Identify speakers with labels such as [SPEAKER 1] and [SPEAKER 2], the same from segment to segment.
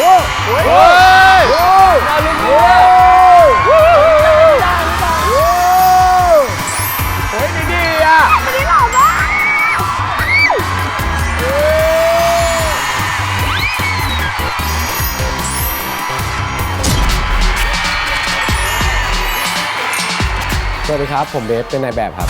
[SPEAKER 1] เราลุ้นด้วยเฮ้ยดีอ่ะไม่ได้หล่อมากสวัสดีครับผมเบฟเป็นนายแบบครับ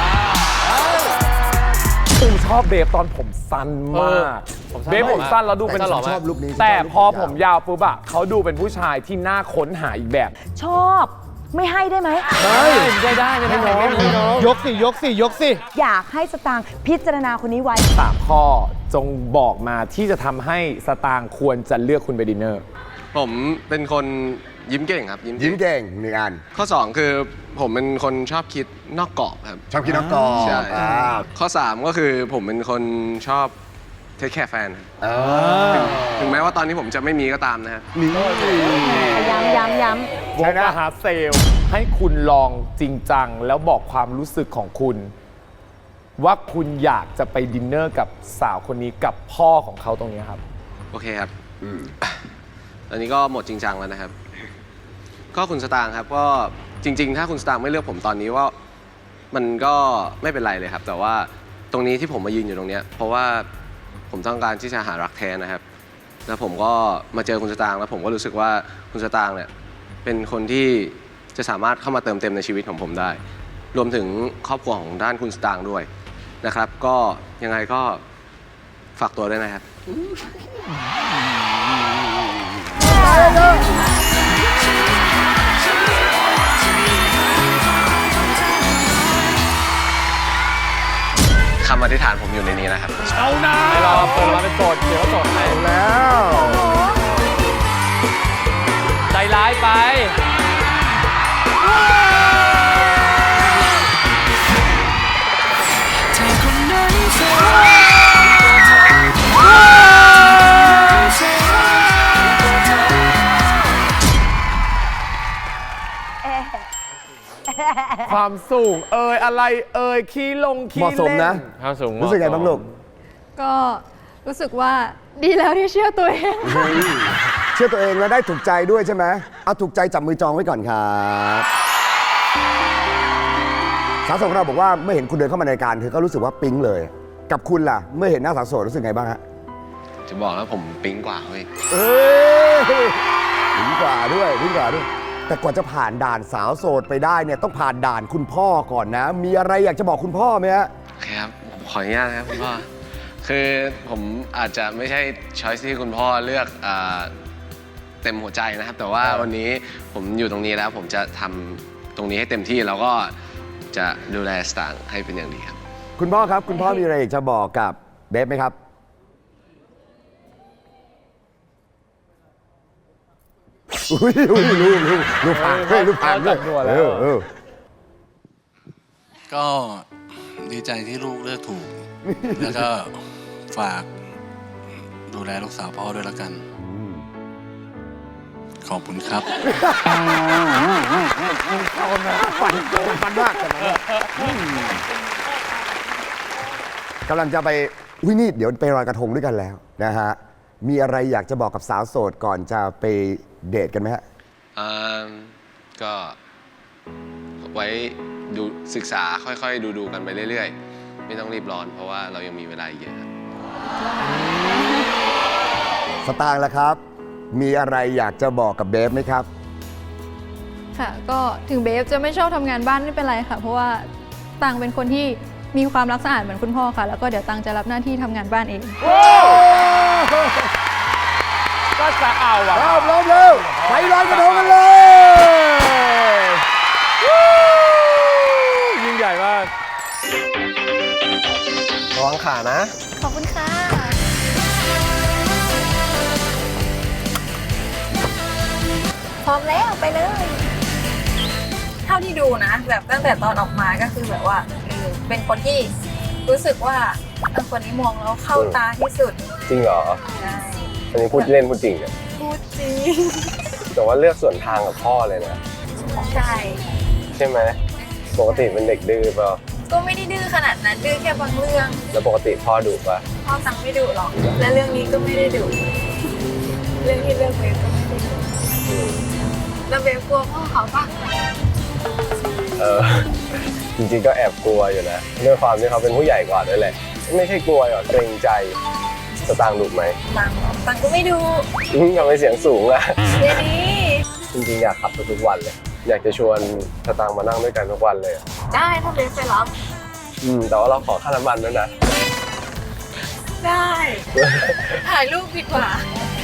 [SPEAKER 1] ตูชอบเบฟตอนผมสั้นมากเบฟผมสั้นแล้วดูเป็นชอบลุคนี้แต่พอผมยาวปุ๊บอะเขาดูเป็นผู้ชายที่น่าค้นหาอีกแบบ
[SPEAKER 2] ชอบไม่ให้ได้ไหม
[SPEAKER 1] ได้ไม่น้อง
[SPEAKER 3] ยกสิ
[SPEAKER 2] อยากให้สตางค์พิจารณาคนนี้ไว้
[SPEAKER 1] 3 ข้อจงบอกมาที่จะทำให้สตางค์ควรจะเลือกคุณไปดินเนอร์
[SPEAKER 4] ผมเป็นคนยิ้มเก่งครับ
[SPEAKER 5] ยิ้มเก่ง1 อัน
[SPEAKER 4] ข้อ2คือผมเป็นคนชอบคิดนอกกรอบครับ
[SPEAKER 5] ชอบคิดนอกกรอบ
[SPEAKER 4] ใช่ข้อ3ก็คือผมเป็นคนชอบเทคแคร์แฟนถึงแม้ว่าตอนนี้ผมจะไม่มีก็ตามนะครับ
[SPEAKER 2] ย้ำ
[SPEAKER 1] วงมหาเซลให้คุณลองจริงจังแล้วบอกความรู้สึกของคุณว่าคุณอยากจะไปดินเนอร์กับสาวคนนี้กับพ่อของเขาตรงนี้ครับ
[SPEAKER 4] โอเคครับตอนนี้ก็หมดจริงจังแล้วนะครับก็คุณสตางค์ครับก็จริงๆถ้าคุณสตางค์ไม่เลือกผมตอนนี้ว่ามันก็ไม่เป็นไรเลยครับแต่ว่าตรงนี้ที่ผมมายืนอยู่ตรงนี้เพราะว่าผมต้องการที่จะหารักแท้นะครับแล้วผมก็มาเจอคุณสตางค์แล้วผมก็รู้สึกว่าคุณสตางค์เนี่ยเป็นคนที่จะสามารถเข้ามาเติมเต็มในชีวิตของผมได้รวมถึงครอบครัวของด้านคุณสตางค์ด้วยนะครับก็ยังไงก็ฝากตัวด้วยนะครับคำอธิษฐานผมอยู่ในนี้นะครับ
[SPEAKER 1] เอานะไม่รอเปิดมาเป็นโสดเดี๋ยวโสดให้
[SPEAKER 5] แล้ว
[SPEAKER 1] ใจร้ายไปความสูงอะไรขี้ลงขี้เล่น
[SPEAKER 5] เหมาะสมนะ
[SPEAKER 1] ความสูง
[SPEAKER 5] รู้สึกไงบ้างลูก
[SPEAKER 6] ก็รู้สึกว่าดีแล้วที่เชื่อตัวเอง
[SPEAKER 5] เชื่อตัวเองแล้วได้ถูกใจด้วยใช่ไหมเอาถูกใจจับมือจองไว้ก่อนครับสาวโสดของเราบอกว่าเมื่อเห็นคุณเดินเข้ามาในรายการเธอก็รู้สึกว่าปิ๊งเลยกับคุณล่ะเมื่อเห็นหน้าสาวโสดรู้สึกไงบ้างฮะ
[SPEAKER 4] จะบอกแล้วผมปิ๊งกว่าเว้ย
[SPEAKER 5] ปิ๊งกว่าด้วยแต่กว่าจะผ่านด่านสาวโสดไปได้เนี่ยต้องผ่านด่านคุณพ่อก่อนนะมีอะไรอยากจะบอกคุณพ่อไหมฮะ
[SPEAKER 4] ครับผมขออนุญาตนะครับคุณพ่อคือผมอาจจะไม่ใช่ช้อยส์ที่คุณพ่อเลือกเต็มหัวใจนะครับแต่ว่าวันนี้ผมอยู่ตรงนี้แล้วผมจะทำตรงนี้ให้เต็มที่แล้วก็จะดูแลสตางค์ให้เป็นอย่างดีครับ
[SPEAKER 5] คุณพ่อครับคุณพ่อมีอะไรอยากจะบอกกับเบฟไหมครับลูกผ่านด้วย
[SPEAKER 7] ก็ดีใจที่ลูกเลือกถูกแล้วก็ฝากดูแลลูกสาวพ่อด้วยแล้วกันขอบคุณครับ
[SPEAKER 5] ฟันมากกำลังจะไปนี่เดี๋ยวไปลอยกระทงด้วยกันแล้วนะฮะมีอะไรอยากจะบอกกับสาวโสดก่อนจะไปเดทกันไหมฮะ
[SPEAKER 4] ก็ไว้ดูศึกษาค่อยๆดูกันไปเรื่อยๆไม่ต้องรีบร้อนเพราะว่าเรายังมีเวลาเยอะครับ
[SPEAKER 5] สตางค์ล่ะครับมีอะไรอยากจะบอกกับเบฟไหมครับ
[SPEAKER 6] ค่ะก็ถึงเบฟจะไม่ชอบทำงานบ้านไม่เป็นไรค่ะเพราะว่าตังเป็นคนที่มีความรักสะอาดเหมือนคุณพ่อค่ะแล้วก็เดี๋ยวตังจะรับหน้าที่ทำงานบ้านเอง
[SPEAKER 1] ก็จะเอาอ่ะ
[SPEAKER 5] พร้อมแล้วไปลอยกระทงกันเลย
[SPEAKER 1] ยิ่งใหญ่มาก
[SPEAKER 4] ระวังขานะ
[SPEAKER 6] ขอบคุณค่ะพร้อมแล้วไปเลย
[SPEAKER 8] เท่าที่ดูนะแบบตั้งแต่ตอนออกมาก็คือแบบว่าเป็นคนที่รู้สึกว่าคนนี้มองแล้วเข้าตาที่สุด
[SPEAKER 4] จริงเหรอ
[SPEAKER 8] ใช่
[SPEAKER 4] อันนี้พูดเล่นพูดจริงเนี่ย
[SPEAKER 8] พูดจริง
[SPEAKER 4] แต่ว่าเลือกส่วนทางกับพ่อเลยนะใช่ไหมปกติเป็นเด็กดื้อเปล่า
[SPEAKER 8] ก็ไม่ได้ดื้อขนาดนั้นดื้อแค่บางเรื่อง
[SPEAKER 4] แล้วปกติพ่อดุป่ะ
[SPEAKER 8] พ่อสั่งไม่ดุหรอกและเรื่องนี้ก็ไม่ได้ดุเรื่องที่เลือกเบฟก็ไม่ได้ดูแล้วเบฟกลัวพ่อเขาปะ
[SPEAKER 4] จริงๆก็แอบกลัวอยู่นะด้วยความที่เขาเป็นผู้ใหญ่กว่าด้วยแหละไม่ใช่กลัวหรอกเกรงใจสตางค์ดุไหม
[SPEAKER 8] ตังก็ไม่ดู
[SPEAKER 4] ทำไมเสียงสูงล่ะ
[SPEAKER 8] เดี๋ยวนี้
[SPEAKER 4] จริงๆอยากขับทุกวันเลย อยากจะชวนสตางค์มานั่งด้วยกันทุกวันเลยอะ
[SPEAKER 8] ได้ถ้าเบฟไปรับ
[SPEAKER 4] แต่ว่าเราขอค่าน้ำมันด้วยนะ
[SPEAKER 8] ได้ ถ่ายรูปดีกว่า